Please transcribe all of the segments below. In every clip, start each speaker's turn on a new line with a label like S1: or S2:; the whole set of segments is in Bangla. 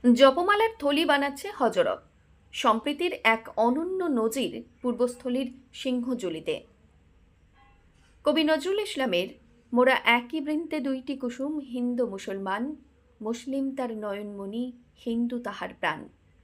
S1: জপমালার থলি বানাচ্ছে হজরত। সম্প্রীতির এক অনন্য নজির পূর্বস্থলীর সিংহজুলিতে। কবি নজরুল ইসলামের মোরা একই বৃন্তে দুইটি কুসুম, হিন্দু মুসলমান, মুসলিম তার নয়নমণি, হিন্দু তাহার প্রাণ।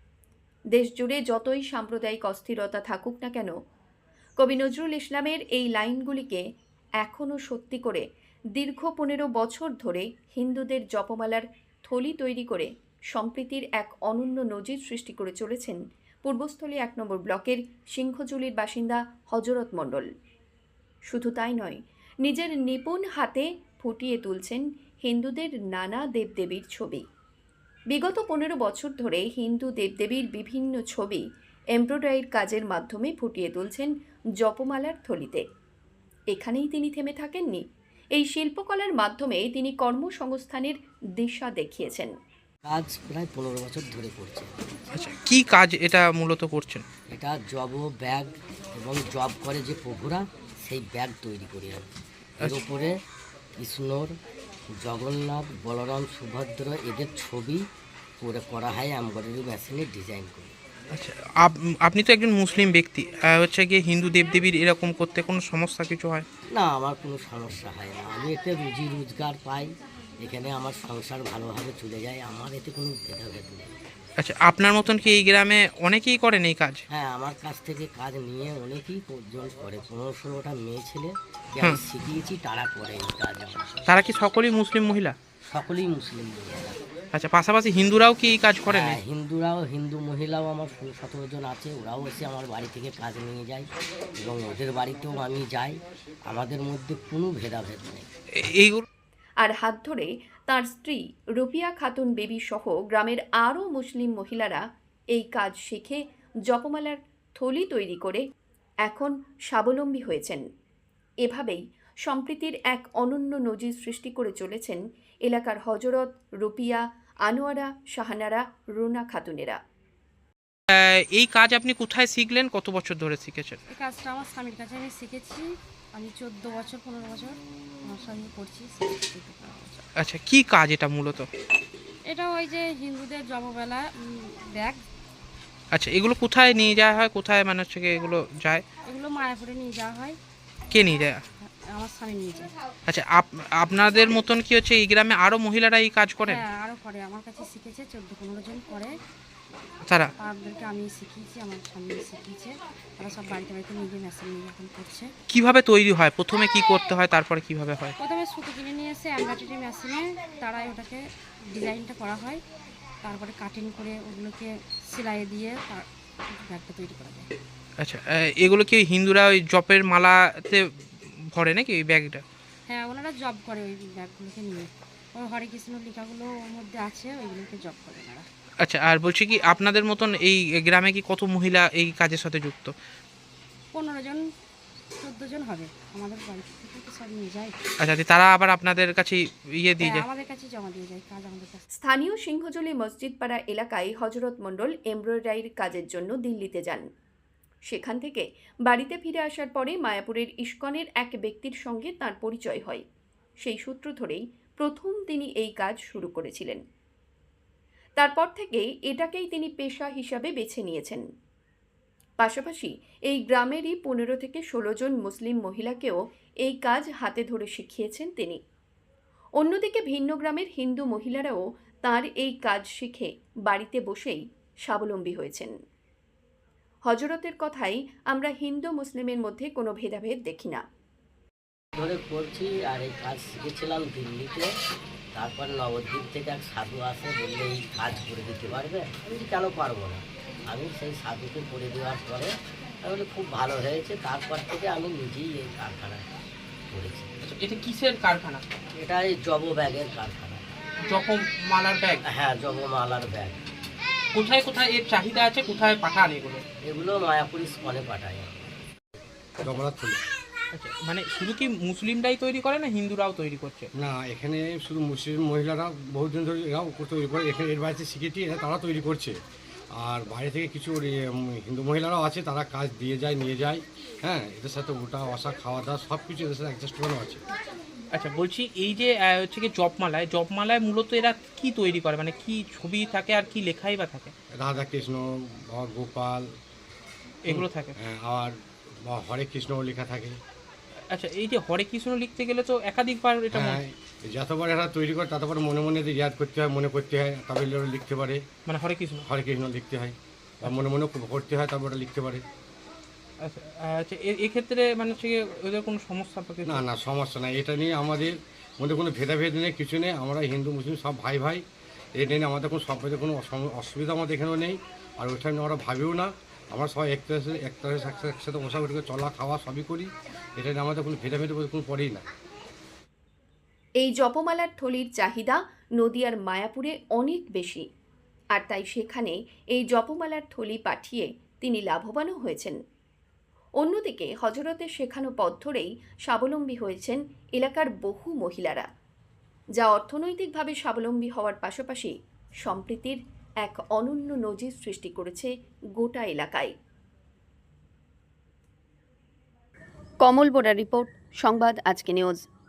S1: দেশ জুড়ে যতই সাম্প্রদায়িক অস্থিরতা থাকুক না কেন, কবি নজরুল ইসলামের এই লাইনগুলিকে এখনও সত্যি করে দীর্ঘ 15 বছর ধরে হিন্দুদের জপমালার থলি তৈরি করে সম্প্রীতির এক অনন্য নজির সৃষ্টি করে চলেছেন পূর্বস্থলী 1 নম্বর ব্লকের সিংহজুলির বাসিন্দা হজরত মণ্ডল। শুধু তাই নয়, নিজের নিপুণ হাতে ফুটিয়ে তুলছেন হিন্দুদের নানা দেবদেবীর ছবি। বিগত 15 বছর ধরে হিন্দু দেবদেবীর বিভিন্ন ছবি এমব্রয়ডারির কাজের মাধ্যমে ফুটিয়ে তুলছেন জপমালার থলিতে। এখানেই তিনি থেমে থাকেননি। এই শিল্পকলার মাধ্যমে তিনি কর্মসংস্থানের দিশা দেখিয়েছেন।
S2: কাজ প্রায় 15 বছর ধরে করছে।
S3: আচ্ছা, কি কাজ এটা মূলত করছেন?
S2: এটা জব ব্যাগ এবং জব করে যে প্রভুরা সেই ব্যাগ তৈরি করি আমি। এর উপরে কৃষ্ণর, জগন্নাথ, বলরাম, সুভদ্র এদের ছবি করে করা হয় এমব্রয়ডারি মেশিনে ডিজাইন করে।
S3: আচ্ছা, আপনি তো একজন মুসলিম ব্যক্তি, হচ্ছে গিয়ে হিন্দু দেবদেবীর এরকম করতে কোনো সমস্যা কিছু হয়
S2: না, আমার কোনো সমস্যা হয় না। আমি এতে রুজি রোজগার পাই, এখানে আমার সংসার ভালোভাবে চলে যায়, আমার এতে কোনো ভেদাভেদ নেই।
S3: আচ্ছা, আপনার মতন কি এই গ্রামে অনেকেই করেন এই কাজ?
S2: হ্যাঁ, আমার কাছ থেকে কাজ নিয়ে অনেকেই জন করে। 15-16টা মেয়ে ছেলে আমি শিখিয়েছি, তারা করে এই কাজ।
S3: তারা কি সকলেই মুসলিম মহিলা?
S2: সকলেই মুসলিম মহিলা।
S3: আচ্ছা, পাশাপাশি হিন্দুরাও কি এই কাজ করেন?
S2: হ্যাঁ, হিন্দু মহিলাও আমার 16-17 জন আছে। ওরাও এসে আমার বাড়ি থেকে কাজ নিয়ে যায় এবং ওদের বাড়িতেও আমি যাই। আমাদের মধ্যে কোনো ভেদাভেদ নেই।
S3: এইগুলো
S1: আর হাত ধরে তার স্ত্রী রুপিয়া খাতুন বেবি সহ গ্রামের আরও মুসলিম মহিলারা এই কাজ শিখে জপমালার থলি তৈরি করে এখন স্বাবলম্বী হয়েছেন। এভাবেই সম্প্রীতির এক অনন্য নজির সৃষ্টি করে চলেছেন এলাকার হজরত, রুপিয়া, আনোয়ারা, শাহানারা, রুনা খাতুনেরা।
S3: এই কাজ আপনি কোথায় শিখলেন? কত বছর ধরে শিখেছেন?
S4: এই কাজটা আমার স্বামীর কাছে আমি শিখেছি। আমি 15 বছর আমার স্বামী করছি।
S3: আচ্ছা, কি কাজ এটা মূলত?
S4: এটা ওই যে হিন্দুদের জপমালা ব্যাগ।
S3: আচ্ছা, এগুলো কোথায় নিয়ে যাওয়া হয়? কোথায় মানে হচ্ছে গিয়ে এগুলো যায়?
S4: এগুলো মায়াপুরে নিয়ে যাওয়া হয়।
S3: কে নিয়ে যায়?
S4: আমার স্বামী নিয়ে যায়।
S3: আচ্ছা, আপনাদের মতন কি হচ্ছে এই গ্রামে আরো মহিলারা এই কাজ করেন?
S4: হ্যাঁ, আরও করে। আমার কাছে শিখেছে 14-15 জন করে।
S3: তারা
S4: তাদেরকে আমি শিখিয়েছি, আমার স্বামী শিখিয়েছে। তারা সব বাড়িতে বাড়িতে নিজে মেশিন নিয়ে এখন করছে।
S3: কিভাবে তৈরি হয়? প্রথমে কি করতে হয়, তারপরে কিভাবে হয়?
S4: প্রথমে সুতো কিনে নিয়ে এসে এমব্রয়ডারি মেশিনে তারাই ওটাকে ডিজাইনটা করা হয়। তারপরে কাটিং করে ওগুলোকে সেলাই দিয়ে ব্যাগটা তৈরি করা যায়।
S3: আচ্ছা, এগুলো কি হিন্দুরা ওই জপের মালাতে ভরে নাকি ওই ব্যাগটা?
S4: হ্যাঁ, ওনারা জব করে ওই ব্যাগগুলোকে নিয়ে। ওই হরে কৃষ্ণ লেখাগুলো ওর মধ্যে আছে, ওইগুলোকে জব করে ওনারা।
S3: আচ্ছা, আর বলছি কি আপনাদের মতন এই গ্রামে কি কত মহিলা এই কাজের সাথে যুক্ত?
S4: 15 জন 14 জন হবে। আমাদের বাড়ি থেকে তো সব নিয়ে যায়।
S3: আচ্ছা, তারা আবার আপনাদের কাছে দিয়ে যায়?
S4: আমাদের কাছে জমা দিয়ে যায় কাজ আমাদের কাছে।
S1: স্থানীয় সিংহজুলি মসজিদপাড়া এলাকায় হজরত মণ্ডল এমব্রয়ডারির কাজের জন্য দিল্লিতে যান। সেখান থেকে বাড়িতে ফিরে আসার পরে মায়াপুরের ইস্কনের এক ব্যক্তির সঙ্গে তার পরিচয় হয়। সেই সূত্র ধরেই প্রথম তিনি এই কাজ শুরু করেছিলেন। তারপর থেকে এটাকেই তিনি পেশা হিসাবে বেছে নিয়েছেন। পাশাপাশি এই গ্রামেরই 15 থেকে 16 জন মুসলিম মহিলাকেও এই কাজ হাতে ধরে শিখিয়েছেন তিনি। অন্যদিকে ভিন্ন গ্রামের হিন্দু মহিলারাও তার এই কাজ শিখে বাড়িতে বসেই স্বাবলম্বী হয়েছেন। হজরতের কথাই আমরা হিন্দু মুসলিমের মধ্যে কোনো ভেদাভেদ দেখি না।
S2: ধরে করছি আর এই কাজ শিখেছিলাম দিল্লিতে। তারপর নবদ্বীপ থেকে এক সাধু আসে, বললে এই কাজ করে দিতে পারবে। আমি কেন পারবো না। আমি সেই সাধুকে করে দেওয়ার পরে তাহলে খুব ভালো হয়েছে। তারপর থেকে আমি নিজেই এই কারখানায় করেছি।
S3: এটা কিসের কারখানা?
S2: এটা এই জব ব্যাগের কারখানা।
S3: জপমালার ব্যাগ?
S2: হ্যাঁ, জবমালার ব্যাগ।
S3: কোথায় কোথায় এর চাহিদা আছে? কোথায় পাঠান এগুলো?
S2: এগুলো মায়াপুর স্কলে পাঠায়।
S3: আচ্ছা, মানে শুধু কি মুসলিমরাই তৈরি করে না হিন্দুরাও তৈরি করছে?
S5: না, এখানে শুধু মুসলিম মহিলারা বহুদিন ধরে এরাও তৈরি করে। এখানে এর বাড়িতে শিখেছি, এরা তারা তৈরি করছে। আর বাইরে থেকে কিছু হিন্দু মহিলারাও আছে, তারা কাজ দিয়ে যায়, নিয়ে যায়। হ্যাঁ, এদের সাথে ওটা আসা, খাওয়া দাওয়া সব কিছু এদের সাথে অ্যাডজাস্ট করানো আছে।
S3: আচ্ছা, বলছি এই যে হচ্ছে কি জপমালায় মূলত এরা কি তৈরি করে, মানে কি ছবি থাকে আর কি লেখাই বা থাকে?
S5: রাধা কৃষ্ণ বা গোপাল
S3: এগুলো থাকে।
S5: আর বা হরে কৃষ্ণ লেখা থাকে।
S3: আচ্ছা, এই যে হরে কৃষ্ণ লিখতে গেলে তো একাধিকবার এটা
S5: হ্যাঁ, যতবার এরা তৈরি করে ততবার মনে মনে ইয়াদ করতে হয়, মনে করতে হয়, তবে এরা লিখতে পারে।
S3: মানে হরে কৃষ্ণ।
S5: হরে কৃষ্ণ লিখতে হয় বা মনে মনে করতে হয়, তারপর ওটা লিখতে পারে।
S3: আচ্ছা আচ্ছা, এক্ষেত্রে মানে হচ্ছে গিয়ে ওদের কোনো সমস্যা বা কিছু?
S5: না না, সমস্যা নাই। এটা নিয়ে আমাদের মধ্যে কোনো ভেদাভেদ নেই, কিছু নেই। আমরা হিন্দু মুসলিম সব ভাই ভাই। এটা নিয়ে আমাদের কোনো সম্প্রদায় কোনো অসুবিধা আমাদের এখানেও নেই। আর ওইটা নিয়ে আমরা ভাবিও না। আমরা সবাই একসাথে বসা উঠে চলা খাওয়া সবই করি। এটা নিয়ে আমাদের কোনো ভেদাভেদ বলতে কোনো পড়েই না।
S1: এই জপমালার থলির চাহিদা নদিয়ার মায়াপুরে অনেক বেশি, আর তাই সেখানে এই জপমালার থলি পাঠিয়ে তিনি লাভবানও হয়েছেন। অন্যদিকে হজরতের শেখানো পথ ধরেই স্বাবলম্বী হয়েছেন এলাকার বহু মহিলারা, যা অর্থনৈতিকভাবে স্বাবলম্বী হওয়ার পাশাপাশি সম্প্রীতির এক অনন্য নজির সৃষ্টি করেছে গোটা এলাকায়। কমল বোরা রিপোর্ট, সংবাদ আজকে নিউজ।